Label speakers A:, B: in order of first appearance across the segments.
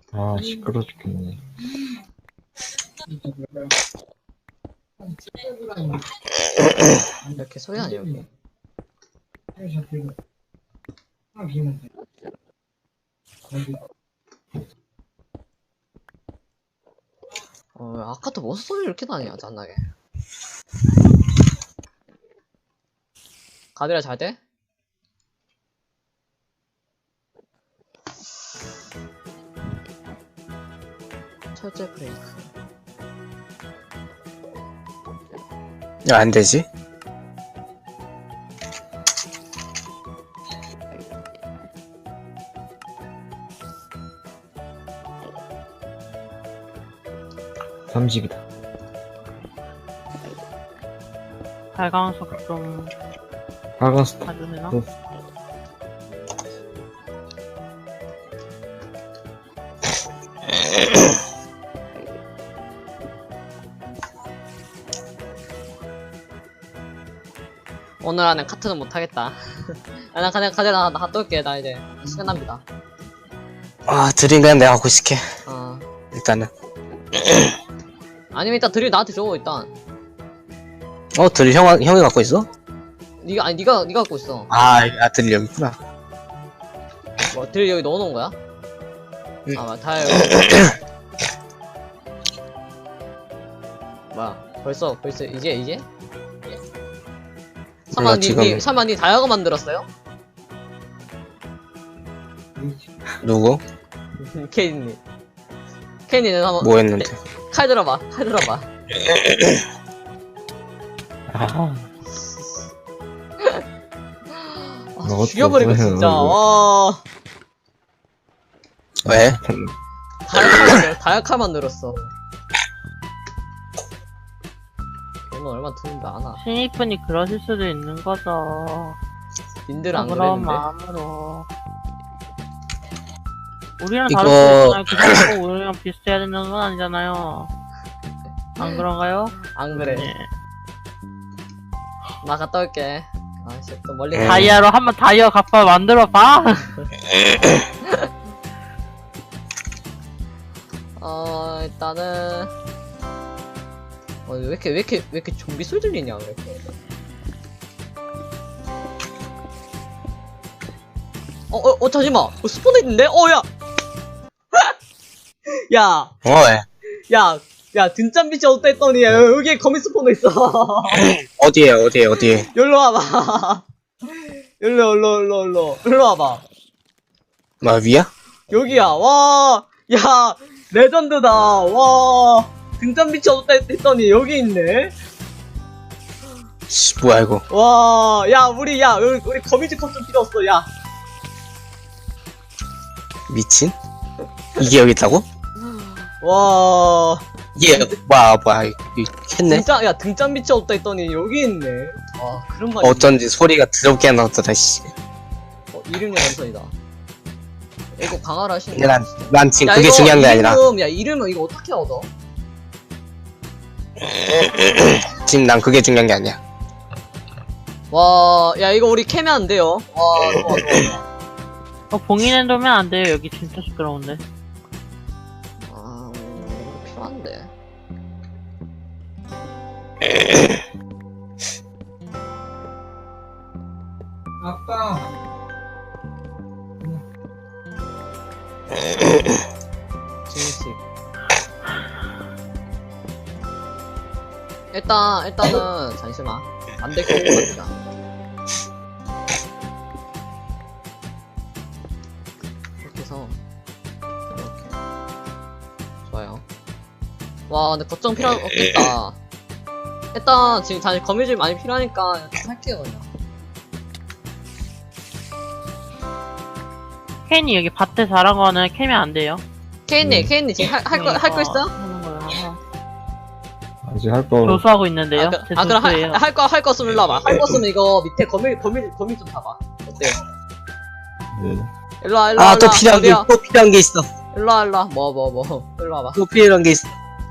A: 아, 시끄러 죽겠네.
B: 이렇게 소리 나냐 여기? 아까도 무슨 소리 이렇게 나냐 짠나게. 가드라 잘 돼? 철제 브레이크.
C: 야, 안 되지?
A: 삼식이다.
D: 발광석 좀
A: 하가스타.
D: 가져내나?
B: 오늘 안에 카트는 못하겠다. 나 그냥 가져가 나 갔다 올게. 나 이제 시간 납니다.
C: 아, 드림 그냥 내가 하고 싶게.
B: 어.
C: 일단은.
B: 아니면 일단 드릴 나한테 줘 일단.
C: 드림 형이 갖고 있어?
B: 네가 갖고 있어.
C: 드림 여기 있구나.
B: 뭐 드릴 여기 넣어놓은 거야?
C: 응.
B: 다 여기. 뭐야? 벌써 이제? 설마 니 다이아가 만들었어요?
C: 누구?
B: 케이님. 케이님은 한번
C: 뭐 했는데?
B: 칼 들어봐.
A: 아, 너
B: 죽여버리고
A: 어떡해,
B: 진짜.
A: 너.
B: 와.
C: 왜?
B: 다이아칼 만들었어. 걔는 얼마 드는데 아나.
D: 신입분이 그러실 수도 있는 거죠.
B: 님들은 안
D: 그런
B: 그랬는데.
D: 마음으로. 우리랑
C: 이거-
D: 다를 수 있잖아요. 그 정도 우리랑 비슷해야 되는 건 아니잖아요. 안 그런가요?
B: 안 그래.
D: 네.
B: 나 갔다 올게. 아씨 또 멀리
C: 음.
D: 다이아로 한번 다이아 값바 만들어봐.
B: 일단은 왜 이렇게 좀비 소리 들리냐 왜 이렇게. 잠시만. 스폰에 있는데? 야. 야.
C: 왜?
B: 야, 등잔빛이 어다 했더니 여기에 거미 스폰도 있어.
C: 어디에?
B: 여기로 와봐. 여기로 와봐.
C: 뭐, 위야?
B: 여기야. 와, 야, 레전드다. 와, 등잔빛이 어둡다 했더니 여기 있네.
C: 씨, 뭐야, 이거.
B: 와, 우리 거미줄 컵 좀 필요 없어. 야,
C: 미친? 이게 여기 있다고?
B: 와,
C: 이게, 뭐야, 이거 했네?
B: 등잔빛이 없다 했더니 여기 있네. 와, 그런 말이.
C: 어쩐지 소리가 더럽게 나왔더라, 씨.
B: 이름이 완성이다. 이거 강화를 하시는
C: 근데
B: 거야.
C: 난 지금 그게 중요한 게 아니라.
B: 이름은 이거 어떻게 얻어?
C: 지금 난 그게 중요한 게 아니야.
B: 와, 야, 이거 우리 캐면 안 돼요. 와, 좋아.
D: 봉인해 놓으면 안 돼요. 여기 진짜 시끄러운데.
B: 이거 필요한데.
E: 아빠.
B: 진식. 일단은, 잠시만. 안될 거 같자. 이렇게 해서, 이렇게. 좋아요. 와, 근데 걱정 필요 없겠다. 일단, 지금 다시 거미줄 많이 필요하니까, 할게요, 그냥.
D: 케인이 여기 밭에 자란 거는 캐면 안 돼요.
B: 케인님 지금 할 거 있어?
D: 하는 거야.
A: 아직 할 거.
D: 조수하고 있는데요. 제
B: 그럼
D: 조수예요.
B: 할 거 쓰면 일로 와봐. 할 거 쓰면 이거 밑에 거미 좀 봐봐. 어때요?
A: 네.
B: 일로 와.
C: 또 필요한 게 있어.
B: 일로 와. 뭐. 일로 와봐.
C: 또 필요한 게 있어.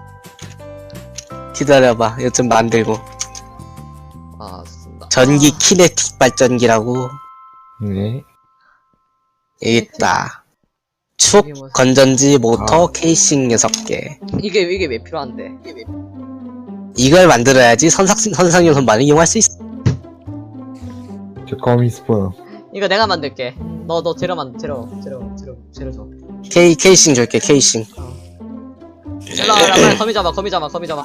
C: 기다려봐. 이거 좀 만들고.
B: 좋습니다.
C: 전기 키네틱 발전기라고.
A: 네.
C: 여기 있다. 축,
B: 이게 뭐야?
C: 건전지, 모터, 케이싱 6개.
B: 이게 왜 필요한데?
C: 이걸 만들어야지 선상용 선반을 이용할 수 있어.
A: 저 거미 스폰.
B: 이거 내가 만들게. 너 재료 줘.
C: 케이싱 줄게, 케이싱.
B: 일로 와, 빨리 거미 잡아. 그래,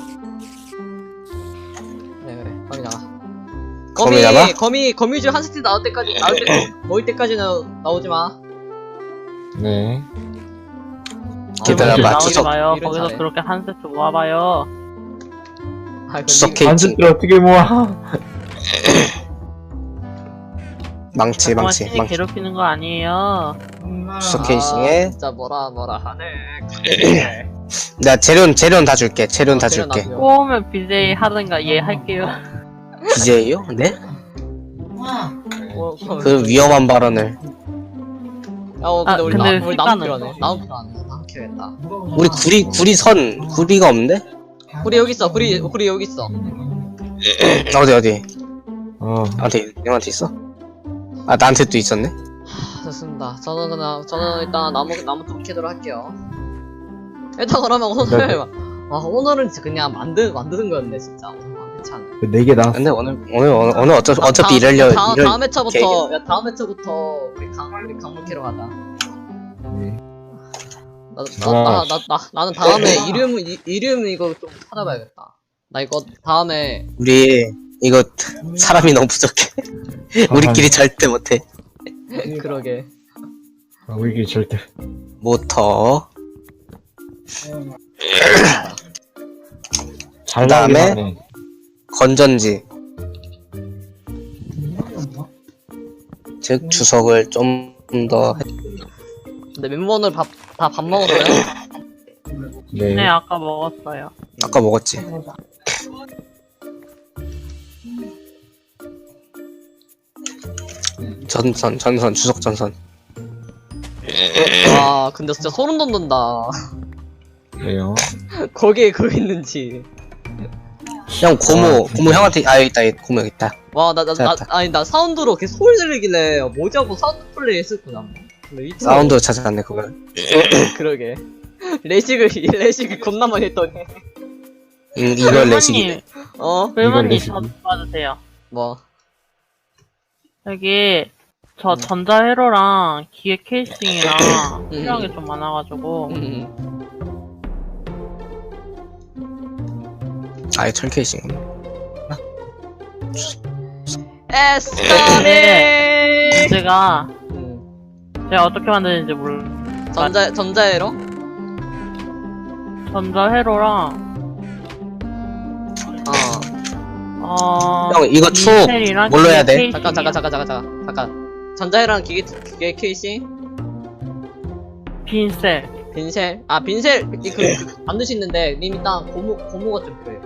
B: 거미 잡아.
C: 거미 잡아?
B: 거미줄 한 세트 모일 때까지는 나오지 마.
A: 네.
C: 기다려봐,
D: 나오지
C: 추석.
D: 마요.
B: 일은
D: 거기서
B: 잘해.
D: 그렇게 한 세트 모아봐요.
C: 추석
B: 니,
C: 케이크.
A: 반죽들 어떻게 모아?
C: 망치.
D: 자꾸만 신이 괴롭히는 거 아니에요.
C: 추석 케이싱에.
B: 진짜 뭐라 하네.
C: 내가 재료는 다 줄게. 재료는 다
B: 재료
C: 줄게.
B: 놔둬요.
D: 꼬우면 BJ 하든가 얘 할게요.
C: BJ요? 네?
B: 뭐,
C: 그 위험한 발언을.
B: 근데 우리
D: 근데
B: 우리 나무
D: 시간은
B: 필요하네. 나무 키워야겠다.
C: 우리 구리가 없는데?
B: 구리 여기 있어. 구리 여기 있어.
C: 어디?
A: 어.
C: 형한테 있어? 아, 나한테 또 있었네?
B: 좋습니다. 저는 일단 나무 좀 캐도록 할게요. 일단 그러면 오늘은 진짜 그냥 만드는 거였네 진짜. 괜찮아.
A: 4개 나왔어.
C: 근데 오늘 어차피
B: 다음 회차부터 우리 강물 캐러 가자.
A: 네.
B: 나는 다음에 이름 이거 좀 찾아봐야겠다. 나 이거 다음에
C: 우리 이거 사람이 너무 부족해. 우리끼리 절대 못해.
B: 그러게.
A: 우리끼리 절대.
C: 모터.
A: 잘
C: 그다음에
A: 나오긴 하네.
C: 건전지. 즉 주석을 좀 더.
B: 근데 멤버들 다 밥 먹었어요?
A: 네.
D: 네, 아까 먹었어요.
C: 아까 먹었지. 전선, 주석 전선.
B: 와 근데 진짜 소름 돋는다.
A: 왜요?
B: 거기에 그거 있는지.
C: 형 고모 형한테 있다. 고모 여기 있다.
B: 와
C: 찾았다.
B: 나 사운드로 계속 소리 들리길래 뭐지 하고 사운드 플레이 했었구나. 근데 이틀
C: 사운드 찾아갔네 그걸.
B: 그러게. 레식을 겁나 많이 했더니.
C: 이걸 내시기.
D: 불만님
A: 내시기.
D: 저 봐주세요.
B: 뭐.
D: 여기 저 전자회로랑 기계 케이싱이랑 필요한 게 좀 많아가지고
C: 아예 철 케이싱.
B: 에스터니.
D: 제가 어떻게 만드는지 몰라.
B: 전자회로?
D: 전자회로랑
C: 형 이거 축
D: 인텔이랑
C: 뭘로 해야 돼?
D: 기계
B: 잠깐. 전자회로랑 기계 케이싱?
D: 빈셀.
B: 빈셀? 빈셀 만들 수 있는데 님 일단 고무가 좀 필요해요.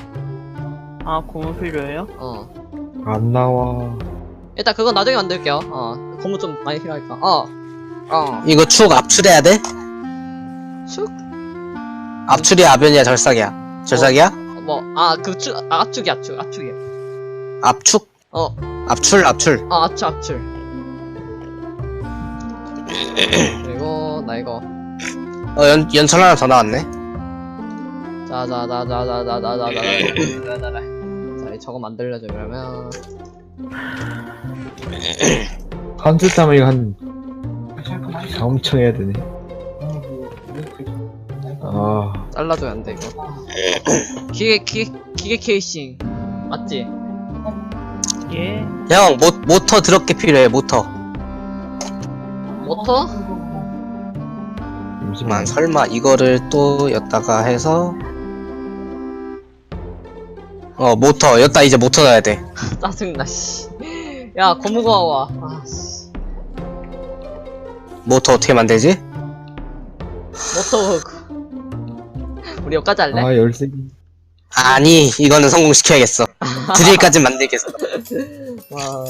D: 고무 필요해요?
A: 안 나와.
B: 일단 그건 나중에 만들게요. 고무 좀 많이 필요하니까.
C: 이거 축 압출해야 돼?
B: 축?
C: 압출이야 압연이야 절삭이야? 절삭이야?
B: 압축이야.
C: 압축? 압출.
B: 압축. 그리고 나 이거.
C: 연철 하나 더 나왔네.
B: 자, 저거 만들려죠 그러면.
A: 한 줄 따면 이거 엄청 해야 되네.
B: 잘라줘야 안 돼 이거. 기계 케이싱 맞지?
D: 예.
C: 형 모터 드럽게 필요해 모터.
B: 모터?
C: 잠시만 설마 이거를 또 였다가 해서 모터 였다 이제 모터 넣어야 돼.
B: 짜증나 씨. 야 고무가 와. 씨.
C: 모터 어떻게 만들지?
B: 모터 우리 여기까지 할래?
A: 열쇠.
C: 아니 이거는 성공시켜야겠어. 드릴까지 만들겠어.
B: 와.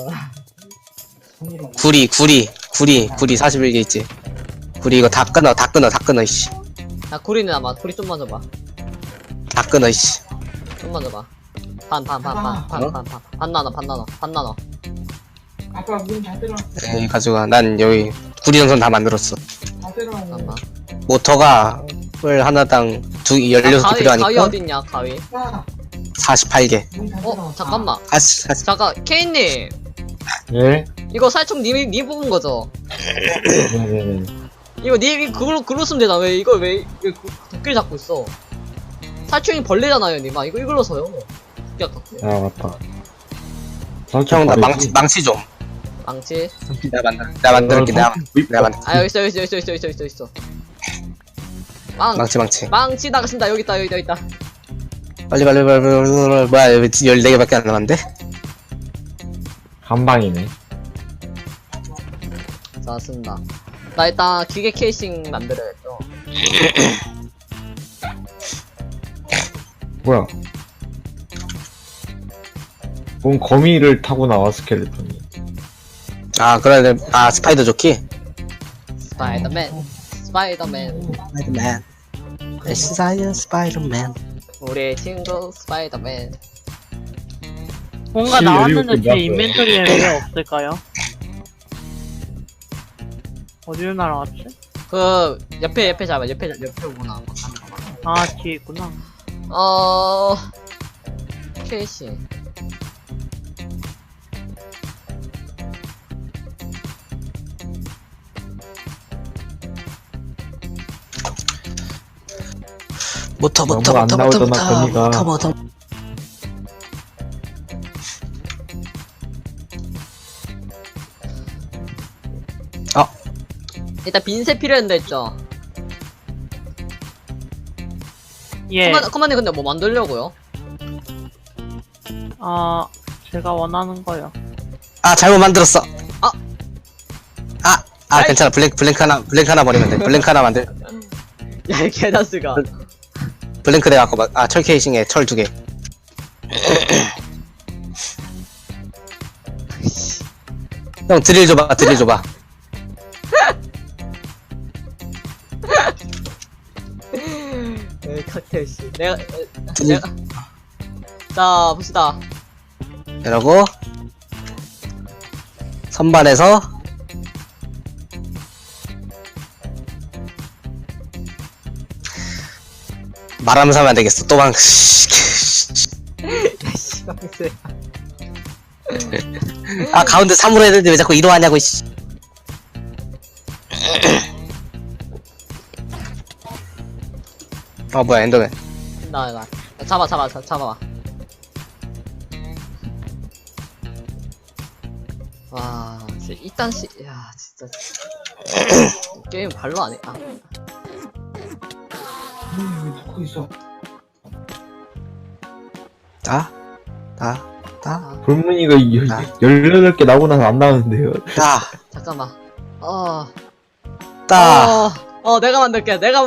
C: 구리 41개 있지. 구리 이거 다 끊어 이씨.
B: 야 구리는 아마 구리 좀만 줘봐.
C: 다 끊어 이씨.
B: 좀만 줘봐. 반 나눠.
E: 아빠 문 닫으라.
C: 에이 가져가. 난 여기 구리 전선 다 만들었어.
B: 잠깐만.
C: 모터가 을 하나당 16개
B: 가위
C: 필요하니까
B: 어딨냐, 가위?
C: 48개.
B: 잠깐만.
C: 아씨.
B: 잠깐, 케인님.
A: 예?
B: 이거 살충 님이 뽑은 거죠?
A: 네네네.
B: 이거 님이 그걸로 쓰면 되나? 왜 도끼를 잡고 있어? 살충이 벌레잖아요, 님아. 이걸로 써요. 도끼 아깝게.
A: 아, 맞다.
C: 형, 나 망치 좀.
B: 망치.
C: 내가 만들게. 내가 만들.
B: 아, 여기 있어. 망치 나가신다. 여기 있다.
C: 빨리. 뭐야, 여기 14개밖에 안 남았는데?
A: 한방이네.
B: 자, 쓴다. 나 일단 기계 케이싱 만들어야겠죠.
A: 뭐야? 뭔 거미를 타고 나와, 스켈레톤이.
C: 아, 그래. 아, 스파이더 조끼?
B: 스파이더맨.
C: 스파이더맨. 스파이더맨.
B: 우리의 친구 스파이더맨.
D: 뭔가
A: 17,
D: 나왔는데
A: 17
D: 제
A: 나왔어요.
D: 인벤토리에 왜 없을까요? 어디로 날아갔지?
B: 그 옆에 잡아. 옆에 오구나.
D: 아, 뒤에 있구나.
B: 케이싱.
C: 모터.
A: 너무 안 나오잖아, 거미가.
C: 모터.
B: 일단 빈세 필요한데 있죠.
D: 예.
B: 커만님 근데 뭐 만들려고요?
D: 제가 원하는 거요.
C: 아, 잘못 만들었어.
B: 아.
C: 아, 괜찮아. 블랭크 하나 버리면 돼. 블랭크 하나 만들.
B: 야, 이 개다스가.
C: 블랭크 내가 아까 철 케이싱에 철 2개. 형, 드릴 줘봐.
B: 칵테일 씨. 내가
C: 드릴.
B: 자, 봅시다.
C: 이러고 선반에서 말하면서 하면 안 되겠어. 또방.
B: 씨발세.
C: 아, 가운데 3으로 해야 되는데 왜 자꾸 2로 하냐고, 씨. 뭐야, 엔더맨.
B: 나. 잡아봐. 와, 진짜 이딴 야, 진짜. 게임 발로 안 해.
E: 듣고 있어.
A: 불문이가
C: 아.
A: 18개 나오고 나서 안 나오는데요.
B: 잠깐만. 내가 만들게. 내가.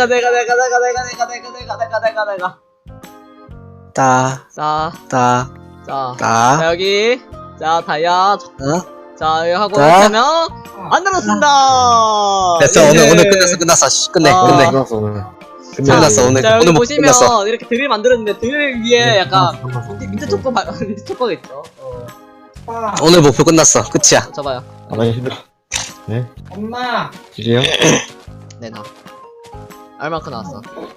B: 자, 여기. 자, 다이아. 자, 여기 하고 이렇게 하면 만들었습니다.
C: 됐어. 오늘 끝났어. 씨, 끝내.
A: 끝났어, 오늘.
C: 끝났어, 오늘.
B: 자, 여기
C: 오늘 못
B: 보시면
C: 끝났어.
B: 이렇게 드릴 만들었는데 드릴 위에 약간 밑에 초코가 있죠.
C: 오늘 목표 끝났어. 끝이야.
B: 잡아요.
A: 아, 나 힘들어. 네?
E: 엄마.
A: 지지요?
B: 네, 나. 얼마큼 나왔어?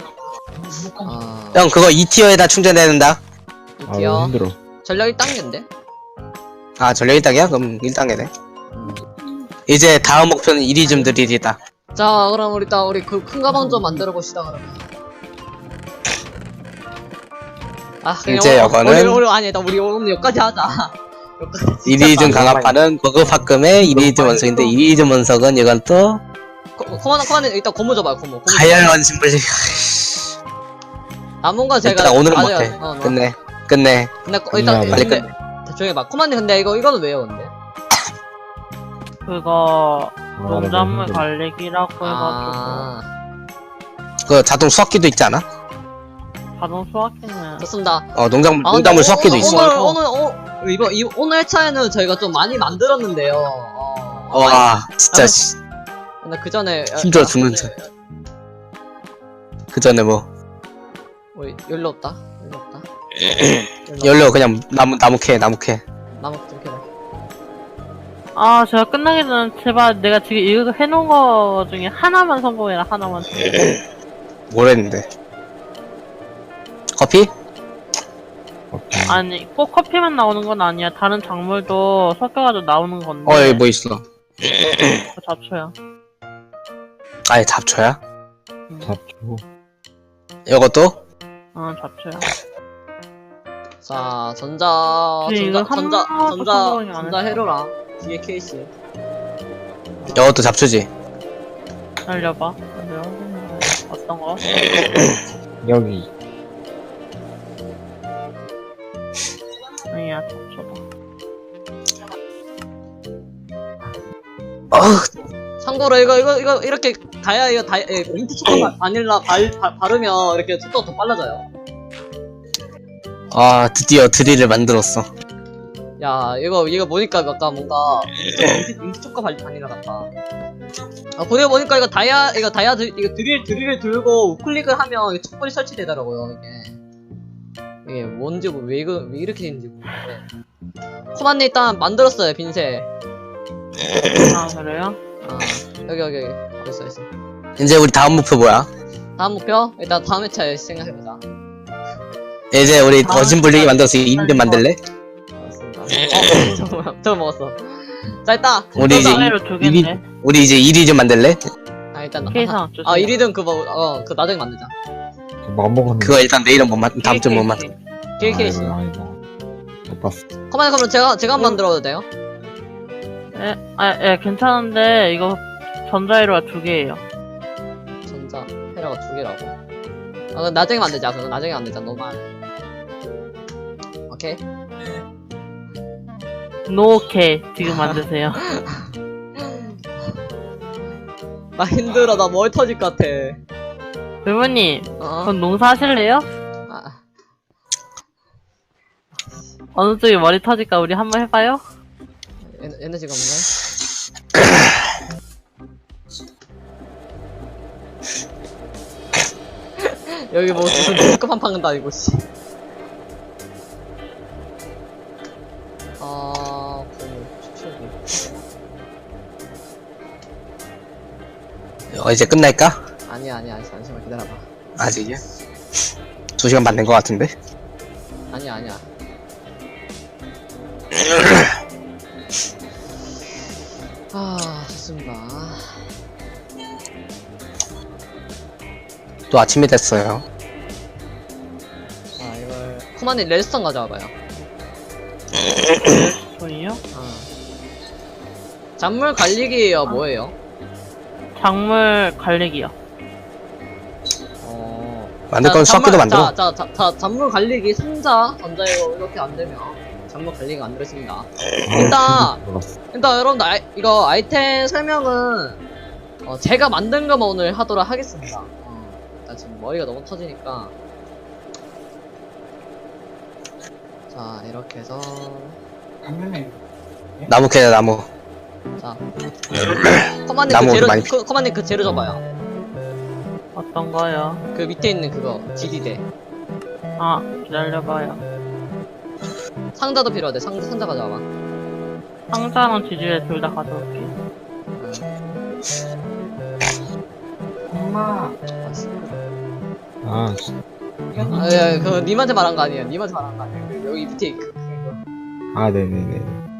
C: 형, 그거 2티어에다 충전해야 된다.
A: 아, 너무
B: 드디어
A: 힘들어.
B: 전력 1단계인데?
C: 아, 전력 1단계야? 그럼 1단계네. 이제 다음 목표는 이리즘 드릴이다.
B: 자, 그럼 우리 그 큰 가방 좀 만들어 봅시다, 그러면. 그냥
C: 이제 이거는
B: 우리 오늘 여기까지 하자. 여기까지.
C: 이리즘 강화판은 버그파금의 이리즘 원석인데 이리즘 원석은 이건 또
B: 코만 일단 고무 줘봐요, 고무.
C: 가열 원심불.
B: 남은 건 제가
C: 일단 오늘은
B: 아직-
C: 못해. 끝내.
B: 근데 일단
A: 빨리
C: 끝내.
B: 대충 해봐. 코만님 근데 이거는 왜요, 근데?
D: 그거
A: 아,
D: 농작물
A: 힘들어.
D: 관리기라고 해가지고
C: 그 자동 수확기도 있지 않아?
D: 자동 수확기는
B: 좋습니다.
C: 농작물 수확기도 있어.
B: 오늘 회차에는 저희가 좀 많이 만들었는데요.
C: 와, 진짜 씨.
B: 근데 그 전에
C: 힘들어 죽는 줄. 그 전에 뭐
B: 연료 없다.
C: 연료 그냥 나무 캐.
B: 나무 좀 캐라.
D: 아, 제가 끝나기 전에 제발 내가 지금 이거 해놓은 거 중에 하나만 성공해라, 하나만.
C: 뭘 했는데? 커피?
A: 오케이.
D: 아니, 꼭 커피만 나오는 건 아니야. 다른 작물도 섞여가지고 나오는 건데.
C: 여기 뭐 있어?
D: 그거 잡초야.
C: 아니, 잡초야?
A: 잡초.
C: 이것도?
D: 잡초야.
B: 자, 전자 해로라. 뒤에 케이스.
C: 이것도 잡초지?
D: 날려봐. 어떤 거?
A: 여기.
D: 아니야, 잡초다.
B: 참고로 이거 이렇게 다이아 민트 초코 바닐라 바르면 이렇게 속도가 더 빨라져요.
C: 아, 드디어 드릴을 만들었어.
B: 야, 이거 보니까 약간 뭔가 민트 초코 바닐라 같다. 아, 보니까 이거 드릴을 들고 우클릭을 하면 촛불이 설치되더라고요, 이게 뭔지 왜 이렇게 되는지 모르겠는데. 코만님 일단 만들었어요, 빈새.
D: 아, 그래요?
B: 여기 있어.
C: 이제 우리 다음 목표 뭐야?
B: 다음 목표? 일단 다음 회차에 생각해보자.
C: 이제 우리 어진 불리기 만들어서 2인 만들래?
B: 알았습니다. 저거 먹었어. 자, 일단
C: 우리 이제
D: 사회로 두 개인데.
C: 우리 이제 1위 좀 만들래?
B: 일단
D: 케이상 주세요.
B: 1위든 그 나중에 만들자.
A: 맘먹었는데.
C: 그거 일단 내일은 못 만, 다음 주에 못 만.
B: 케이스.
A: 아이고. 못 봤어.
B: 그럼 제가 한번 만들어도 돼요?
D: 예, 괜찮은데, 이거 전자회로가 2개예요.
B: 전자 헤라가 2개라고. 그럼 나중에 만들자. 그럼 나중에 만들자. 너무 많아. 오케이.
D: 노케, 지금 만드세요.
B: 나 힘들어. 나 머리 터질 것 같아.
D: 부모님,
B: 어?
D: 그럼 농사 하실래요?
B: 아,
D: 어느 쪽이 머리 터질까 우리 한번 해봐요?
B: 에너지가 없네. 여기 뭐 무슨 등급한 판도 아니고 씨.
C: 이제 끝날까?
B: 아니야 잠시만 기다려봐.
C: 아직이야? 2시간 반 된 것 같은데?
B: 아니야. 좋습니다.
C: 또 아침이 됐어요.
B: 이걸 코만님 레스턴 가져와봐요.
D: 손이요?
B: 작물 관리기예요. 뭐예요?
D: 작물 관리기요.
C: 만들 건 섞기도 만들어.
B: 자, 작물 관리기 상자 전자이로 이렇게 안 되면 작물 관리가 안 되겠습니다. 일단 여러분들 이거 아이템 설명은 제가 만든 것만 오늘 하도록 하겠습니다. 나 지금 머리가 너무 터지니까. 자, 이렇게 해서
C: 나무 캐자, 나무.
B: 자,
C: 나무
B: 커만님 그 재료 줘봐요.
D: 어떤 거요?
B: 그 밑에 있는 그거 GD대
D: 기다려봐요.
B: 상자도 필요하대. 상자 가져와봐.
D: 상자랑 지지대 둘 다 가져올게.
E: 엄마.
A: 아, 진짜.
B: 야, 그거 님한테 말한 거 아니에요. 님한테 말한 거 아니에요. 여기 밑에 그거.
A: 아, 네네네.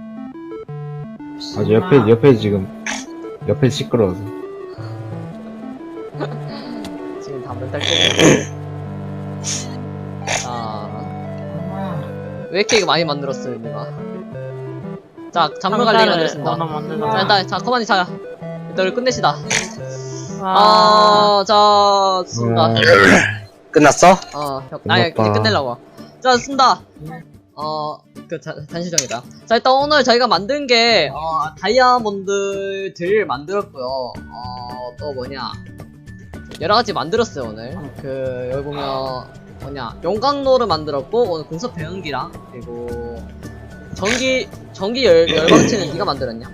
A: 아주 옆에 지금, 옆에 시끄러워서.
B: 지금 다 멘탈 깨졌네.
E: 엄마.
B: 왜 이렇게 이거 많이 만들었어요, 님아? 자, 작물 관리가 만들었습니다. 자, 커만이 자. 일단 끝내시다. 자, 쓴다.
C: 끝났어?
B: 이제 끝내려고. 자, 쓴다. 단시정이다. 자, 일단 오늘 저희가 만든 게, 다이아몬드들 만들었고요. 또 뭐냐. 여러가지 만들었어요, 오늘. 여기 보면, 용광로를 만들었고, 오늘 공습 배연기랑, 그리고, 전기 열광치는 네가 만들었냐?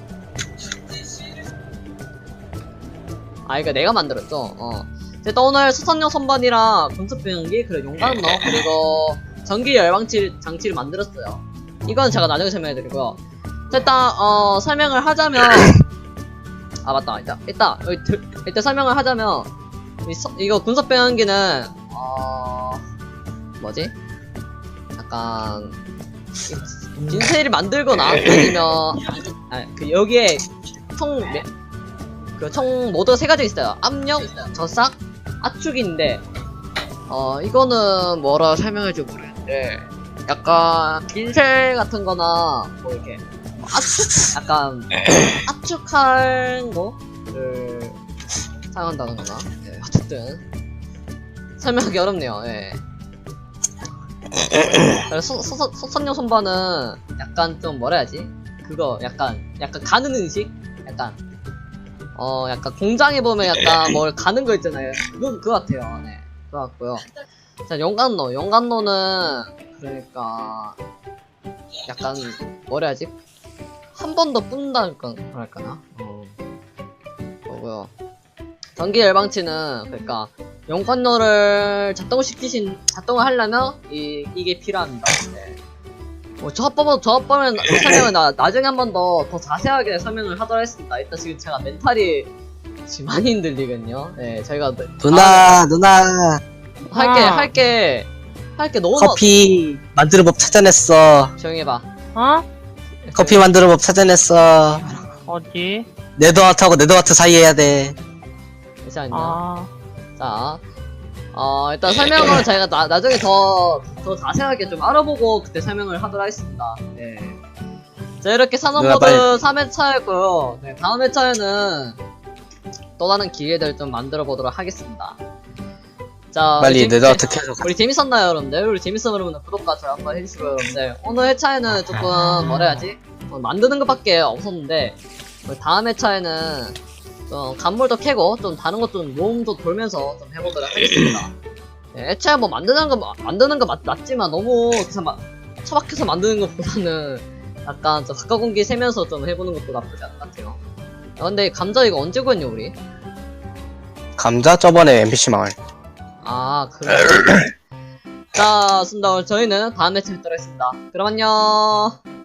B: 이거 내가 만들었죠? 일단 오늘 수선용 선반이랑 공습 배연기, 그리고 용광로, 그리고, 전기 열광치 장치를 만들었어요. 이건 제가 나중에 설명해드리고요. 자, 일단 설명을 하자면 아 맞다 일단 설명을 하자면 이거 군사 빼앗기는 뭐지? 약간 빈세일을 만들거나 아니면 그 여기에 총 모두 세 가지 있어요. 압력, 저삭, 압축인데 이거는 뭐라 설명할지 모르겠는데 약간 빈셀 같은 거나 뭐 이렇게 약간 압축한 거를 사용한다는 거나 어쨌든 설명하기 어렵네요. 그래서 소선용 손반은 약간 좀 뭐라 해야지? 그거 약간 가는 음식? 약간 공장에 보면 약간 뭘 가는 거 있잖아요. 그거 같아요. 네. 그거 같고요. 자, 용간로는 그러니까 약간 뭐라 해야지? 한 번 더 뿐달까 할까나? 그거고요. 전기 열방치는 그러니까 용간로를 작동을 하려면 이게 필요합니다. 네. 저 합법은 설명은 나중에 한 번 더 자세하게 설명을 하도록 하겠습니다. 일단 지금 제가 멘탈이 지금 많이 흔들리거든요. 네, 저희가
C: 누나
B: 할 게 너무
C: 커피 만드는 법 찾아냈어.
B: 조용히 해봐.
C: 커피 만드는 법 찾아냈어.
D: 어디?
C: 네더아트하고 네더아트 사이 해야 돼.
B: 잠시만요. 자, 일단 설명은 저희가 나중에 더 자세하게 좀 알아보고 그때 설명을 하도록 하겠습니다. 네. 자, 이렇게 산업모드 3회차였고요. 네, 다음 회차에는 또 다른 기회들 좀 만들어 보도록 하겠습니다. 자,
C: 빨리 네더아트 켜서
B: 우리 재밌었나요, 여러분들? 우리 재밌었으면 여러분들 구독과 좋아요 한번 해주시고요, 여러분들. 오늘 회차에는 조금 뭐라 해야지? 만드는 것밖에 없었는데 우리 다음 회차에는 좀 간물도 캐고 좀 다른 것 좀 모험도 돌면서 좀 해보도록 하겠습니다. 네, 애초에 뭐 만드는 거 맞지만 너무 처박혀서 만드는 것보다는 약간 좀 가까운 공기 세면서 좀 해보는 것도 나쁘지 않은 것 같아요. 야, 근데 감자 이거 언제 구했냐 우리?
C: 감자 저번에 NPC 마을.
B: 아 그래. 자, 순다 저희는 다음 회차에 뵙도록 하겠습니다. 그럼 안녕.